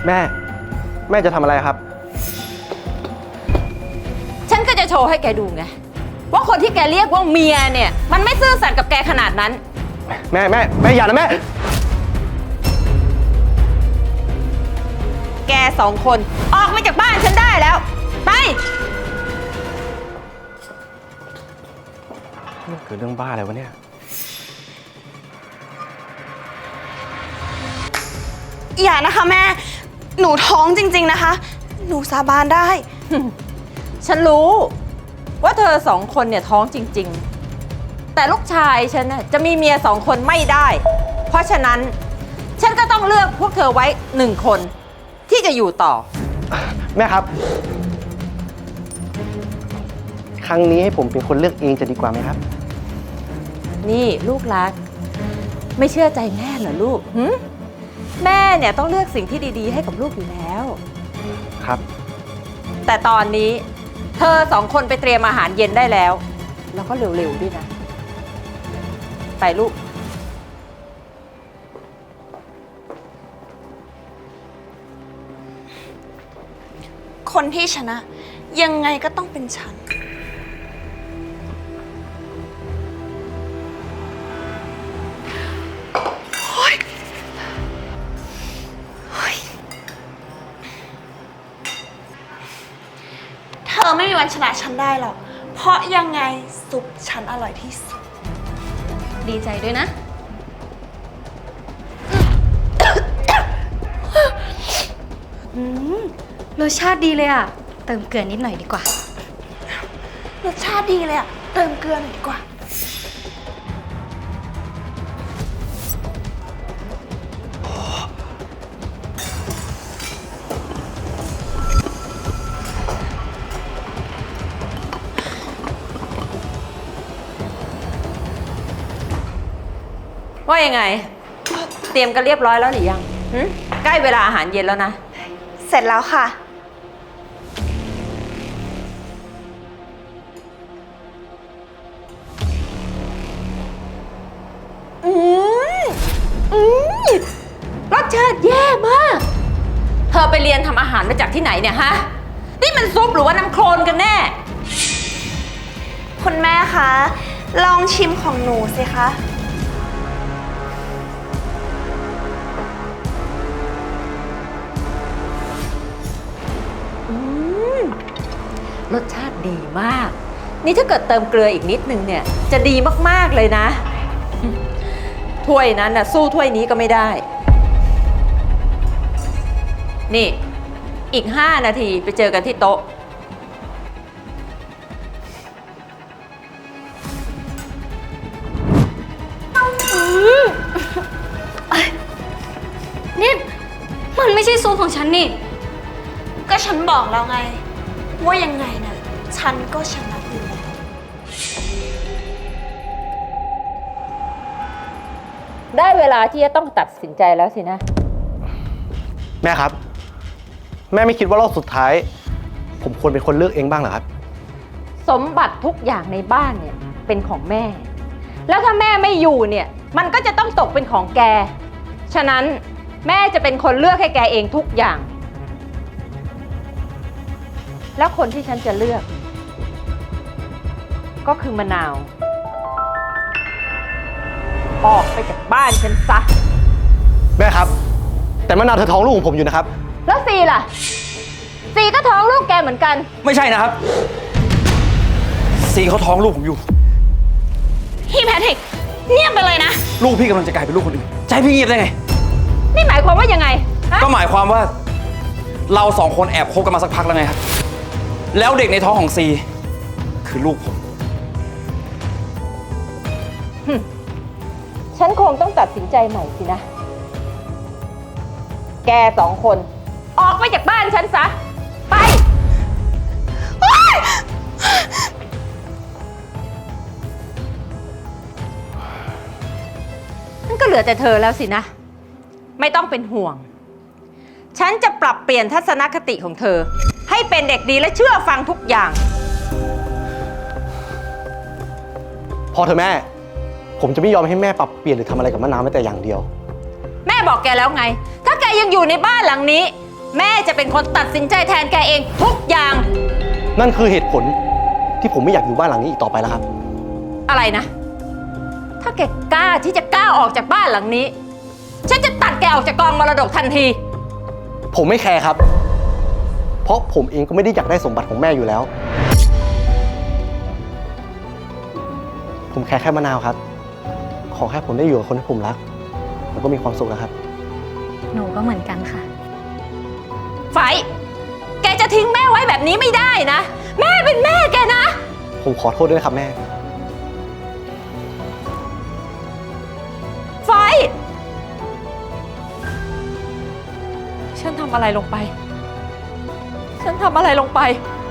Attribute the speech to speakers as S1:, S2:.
S1: แม่จะทำอะไรครับ
S2: ฉันก็จะโชว์ให้แกดูไงว่าคนที่แกเรียกว่าเมียเนี่ยมันไม่ซื่อสัตย์กับแกขนาดนั้น
S1: แม่อย่านะแม่
S2: แกสองคนออกมาจากบ้านฉันได้แล้วไป
S1: มันเกิดเรื่องบ้าอะไรวะเนี่ย
S3: อย่านะคะแม่หนูท้องจริงๆนะคะหนูสาบานได้
S2: ฉันรู้ว่าเธอสองคนเนี่ยท้องจริงๆแต่ลูกชายฉันน่ะจะมีเมียสองคนไม่ได้เพราะฉะนั้นฉันก็ต้องเลือกพวกเธอไว้หนึ่งคนที่จะอยู่ต่อ
S1: แม่ครับครั้งนี้ให้ผมเป็นคนเลือกเองจะดีกว่าไหมครับ
S2: นี่ลูกรักไม่เชื่อใจแม่เหรอลูกแม่เนี่ยต้องเลือกสิ่งที่ดีๆให้กับลูกอยู่แล้ว
S1: ครับ
S2: แต่ตอนนี้เธอสองคนไปเตรียมอาหารเย็นได้แล้วแล้วก็เร็วๆด้วยนะไปลูก
S3: คนที่ชนะยังไงก็ต้องเป็นฉันเธอไม่มีวันชนะฉันได้หรอกเพราะยังไงซุปฉันอร่อยที่สุด
S4: ดีใจด้วยนะรสชาติดีเลยอ่ะเติมเกลือนิดหน่อยดีกว่าร
S3: สชาติดีเลยอ่ะเติมเกลือหน่อยดีกว่า
S2: ว่ายังไงเตรียมกันเรียบร้อยแล้วหรือยังใกล้เวลาอาหารเย็นแล้วนะ
S3: เสร็จแล้วค่ะ
S2: รสชาติแย่มากเธอไปเรียนทำอาหารมาจากที่ไหนเนี่ยฮะนี่มันซุปหรือว่าน้ำโคลนกันแน่
S3: คุณแม่คะลองชิมของหนูสิคะ
S2: รสชาติดีมากนี่ถ้าเกิดเติมเกลืออีกนิดนึงเนี่ยจะดีมากๆเลยนะถ้วยนั้นน่ะสู้ถ้วยนี้ก็ไม่ได้นี่อีก5 นาทีไปเจอกันที่โต๊ะ
S4: นี่มันไม่ใช่ซุปของฉันนี่
S3: ก็ฉันบอกแล้วไงว่ายังไงนะฉันก็ชนะอยู่แล้ว
S2: ได้เวลาที่จะต้องตัดสินใจแล้วสินะ
S1: แม่ครับแม่ไม่คิดว่ารอบสุดท้ายผมควรเป็นคนเลือกเองบ้างเหรอครับ
S2: สมบัติทุกอย่างในบ้านเนี่ยเป็นของแม่แล้วถ้าแม่ไม่อยู่เนี่ยมันก็จะต้องตกเป็นของแกฉะนั้นแม่จะเป็นคนเลือกให้แกเองทุกอย่างแล้วคนที่ฉันจะเลือกก็คือมะนาวออกไปจากบ้านฉันซะ
S1: แม่ครับแต่มะนาวเธอท้องลูกของผมอยู่นะครับ
S2: แล้วซีล่ะซีก็ท้องลูกแกเหมือนกัน
S5: ไม่ใช่นะครับซีเขาท้องลูกผมอยู่
S3: พี่แพทริกเงียบไปเลยนะ
S5: ลูกพี่กำลังจะกลายเป็นลูกคนอื่นจะให้พี่เงียบได้ไง
S2: นี่หมายความว่ายังไง
S5: ก็หมายความว่าเราสองคนแอบคบกันมาสักพักแล้วไงครับแล้วเด็กในท้องของซีคือลูกผม
S2: ฉันคงต้องตัดสินใจใหม่สินะแกสองคนออกไปจากบ้านฉันซะไปนั่นก็เหลือแต่เธอแล้วสินะไม่ต้องเป็นห่วงฉันจะปรับเปลี่ยนทัศนคติของเธอให้เป็นเด็กดีและเชื่อฟังทุกอย่าง
S1: พอเถอะแม่ผมจะไม่ยอมให้แม่ปรับเปลี่ยนหรือทำอะไรกับมะนาวแม้แต่อย่างเดียว
S2: แม่บอกแกแล้วไงถ้าแกยังอยู่ในบ้านหลังนี้แม่จะเป็นคนตัดสินใจแทนแกเองทุกอย่าง
S1: นั่นคือเหตุผลที่ผมไม่อยากอยู่บ้านหลังนี้อีกต่อไปแล้วครับ
S2: อะไรนะ ถ้าแกกล้าที่จะก้าวออกจากบ้านหลังนี้ ฉันจะตัดแกออกจากกองมรดกทันที
S1: ผมไม่แคร์ครับ เพราะผมเองก็ไม่ได้อยากได้สมบัติของแม่อยู่แล้ว ผมแคร์แค่มะนาวครับ ขอแค่ผมได้อยู่กับคนที่ผมรักแล้วก็มีความสุขนะครับ
S4: หนูก็เหมือนกันค่ะ
S2: ไฟ แกจะทิ้งแม่ไว้แบบนี้ไม่ได้นะ แม่เป็นแม่แกนะ
S1: ผมขอโทษด้วยนะครับแม่
S2: ไฟ ฉันทำอะไรลงไป ฉันทำอะไรลงไป